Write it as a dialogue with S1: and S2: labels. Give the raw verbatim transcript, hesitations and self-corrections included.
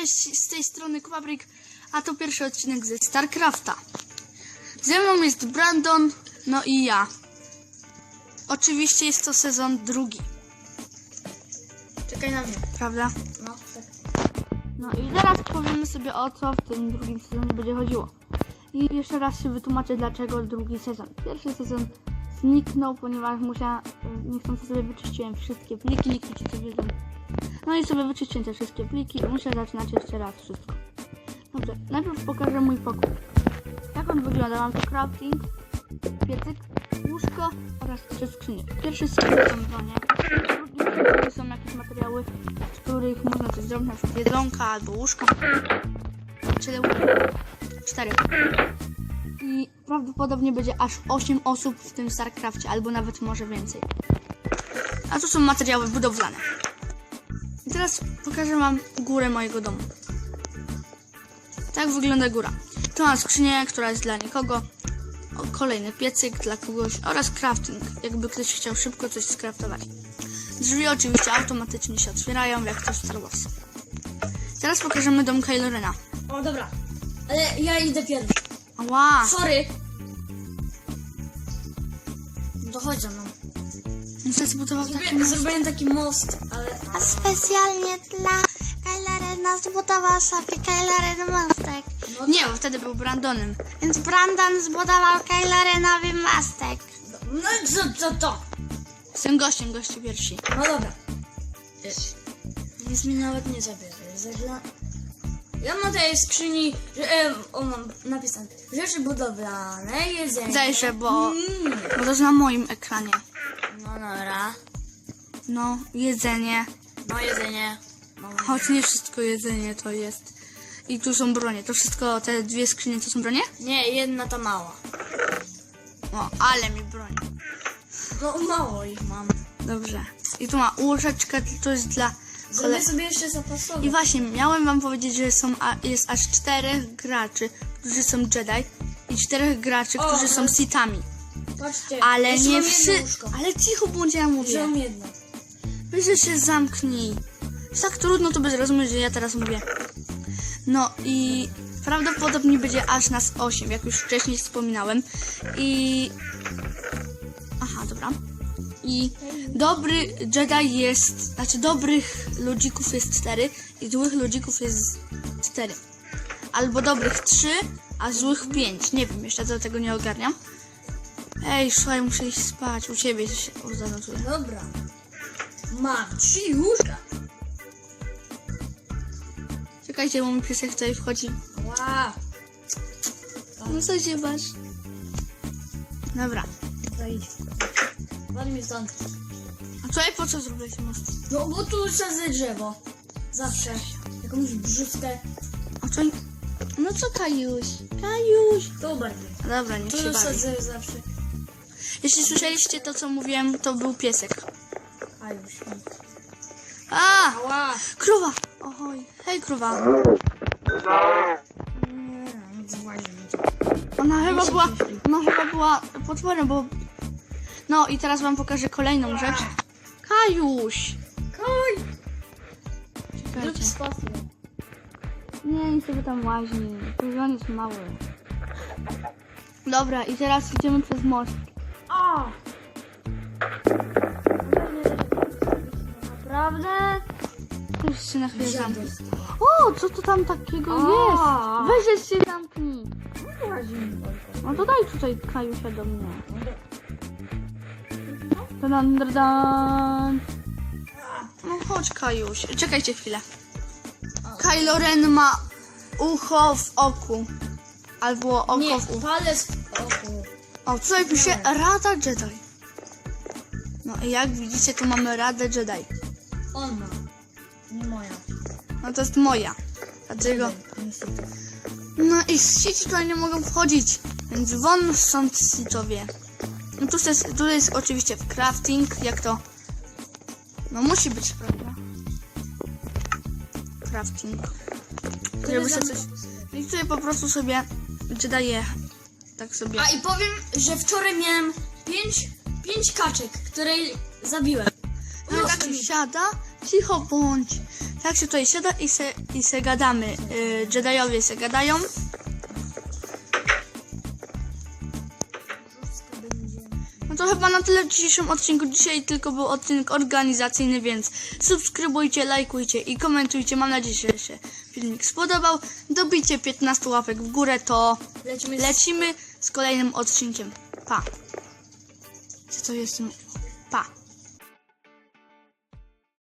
S1: cześć, z tej strony Kwabrik, a to pierwszy odcinek ze StarCrafta. Ze mną jest Brandon, no i ja. Oczywiście jest to sezon drugi.
S2: Czekaj na mnie.
S1: Prawda?
S2: No, tak.
S1: No i teraz powiemy sobie, o co w tym drugim sezonie będzie chodziło. I jeszcze raz się wytłumaczę, dlaczego drugi sezon. Pierwszy sezon zniknął, ponieważ musiałem, niechcący sobie wyczyściłem wszystkie pliki, niektórzy to wiedzą. No i sobie wyczyściłem te wszystkie pliki i muszę zaczynać jeszcze raz wszystko. Dobrze, najpierw pokażę mój pokój. Jak on wygląda? Mam tu crafting, piecyk, łóżko oraz trzy skrzynie. Pierwszy skrzynie są bronie, drugi są jakieś materiały, z których można coś zrobić, na przykład jedzonka albo łóżko. Czyli cztery. I prawdopodobnie będzie aż osiem osób w tym StarCrafcie, albo nawet może więcej. A tu są materiały budowlane. I teraz pokażę wam górę mojego domu. Tak wygląda góra. Tu mam skrzynię, która jest dla nikogo. O, kolejny piecyk dla kogoś oraz crafting, jakby ktoś chciał szybko coś skraftować. Drzwi oczywiście automatycznie się otwierają, jak to w Star Wars. Teraz pokażemy dom Kylo Rena.
S2: O, dobra. Ale ja idę pierwszy.
S1: Ała!
S2: Sorry. Dochodź za mną.
S1: Muszę zbudował taki
S2: Zrobię,
S1: most.
S2: zrobiłem taki most, ale...
S3: A specjalnie dla Kyla Rena zbudował sobie Kylo Ren mostek.
S2: No
S1: Nie, bo wtedy był Brandonem.
S3: Więc Brandon zbudował Kylo Renowi mostek.
S2: No i co, co to?
S1: Jestem gościem, goście pierwsi.
S2: No dobra. Nic mi nawet nie zabierze. Zagla... Ja mam tutaj w skrzyni, że, e, o, mam napisane, rzeczy budowlane, jedzenie.
S1: Zajrzę, bo,
S2: Mm.
S1: bo to jest na moim ekranie.
S2: No dobra.
S1: No, jedzenie.
S2: No jedzenie. Mam...
S1: Choć nie wszystko jedzenie to jest. I tu są bronie. To wszystko, te dwie skrzynie to są bronie?
S2: Nie, jedna ta mała.
S1: O, ale mi broń.
S2: No mało ich mam.
S1: Dobrze. I tu ma łóżeczkę, to jest dla...
S2: Zrobię
S1: Kole...
S2: sobie jeszcze zapasowe.
S1: I właśnie, miałem wam powiedzieć, że są, a, jest aż czterech graczy, którzy są Jedi i czterech graczy,
S2: O,
S1: którzy są
S2: no.
S1: Sithami.
S2: Patrzcie,
S1: Ale
S2: jeszcze
S1: nie
S2: mam jedno
S1: wszyscy...
S2: łóżko.
S1: Ale cicho bądź, ja mówię.
S2: Wziąłem jedno.
S1: Weź, że się zamknij. Jest tak trudno to by zrozumieć, że ja teraz mówię. No i prawdopodobnie będzie aż nas osiem, jak już wcześniej wspominałem. I... Aha, dobra. I dobry Jedi jest... Znaczy dobrych ludzików jest cztery i złych ludzików jest cztery. Albo dobrych trzy, a złych pięć. Nie wiem, jeszcze do tego nie ogarniam. Ej, słuchaj, muszę iść spać. U ciebie się zanotuję.
S2: Dobra. Mam trzy łóżka.
S1: Czekajcie, bo mój piesek tutaj wchodzi.
S2: Wow.
S1: No co się masz? Dobra.
S2: Zajdź. Ładnie mi stąd.
S1: A tutaj po co zrobiłeś most?
S2: No bo tu sadzę drzewo. Zawsze. Jakąś brzuskę.
S1: A co... No co Kajuś? Kajuś!
S2: To bardziej.
S1: Dobra, niech
S2: Tu
S1: się bawi.
S2: sadzę zawsze.
S1: Jeśli słyszeliście to, co mówiłem, to był piesek.
S2: A już.
S1: A!
S2: Ała.
S1: Krowa! Ohoj. Hej, krowa.
S2: Nie, nic właśnie.
S1: Ona chyba była... Ona chyba była potworem, bo... No i teraz wam pokażę kolejną rzecz. Kajuś!
S2: Kaj.
S1: Czekajcie.
S2: Rób spację.
S1: Nie, nie sobie tam łaźni. On jest mały. Dobra, i teraz idziemy przez most.
S2: A! Naprawdę?
S1: Już się na chwilę
S2: Wziąłem
S1: zamknę.
S2: dostała.
S1: O, co to tam takiego
S2: A.
S1: jest? Weź się zamknij. No to daj tutaj Kajusia do mnie. Dan, dan, dan. No chodź Kajuś. Czekajcie chwilę. Kylo Ren ma ucho w oku. Albo oko
S2: Nie,
S1: w uchu.
S2: palec w oku.
S1: O, tutaj pisze Rada Jedi. No i jak widzicie, tu mamy Radę Jedi.
S2: On ma. Nie moja.
S1: No to jest moja. Dlatego...
S2: Niestety.
S1: No i sieci tutaj nie mogą wchodzić, więc won stąd sitowie. No tu jest, tu jest oczywiście w crafting, jak to... No musi być, prawda? Crafting. Żeby sobie coś... I tutaj po prostu sobie daje tak sobie...
S2: A i powiem, że wczoraj miałem pięć, pięć kaczek, które zabiłem.
S1: No tak siada, cicho bądź. Tak się tutaj siada i se, i se gadamy. Yy, Jediowie se gadają. No to chyba na tyle w dzisiejszym odcinku. Dzisiaj tylko był odcinek organizacyjny, więc subskrybujcie, lajkujcie i komentujcie. Mam nadzieję, że się filmik spodobał. Dobijcie piętnaście łapek w górę, to
S2: Lecimy z...
S1: lecimy z kolejnym odcinkiem. Pa! Co to jest?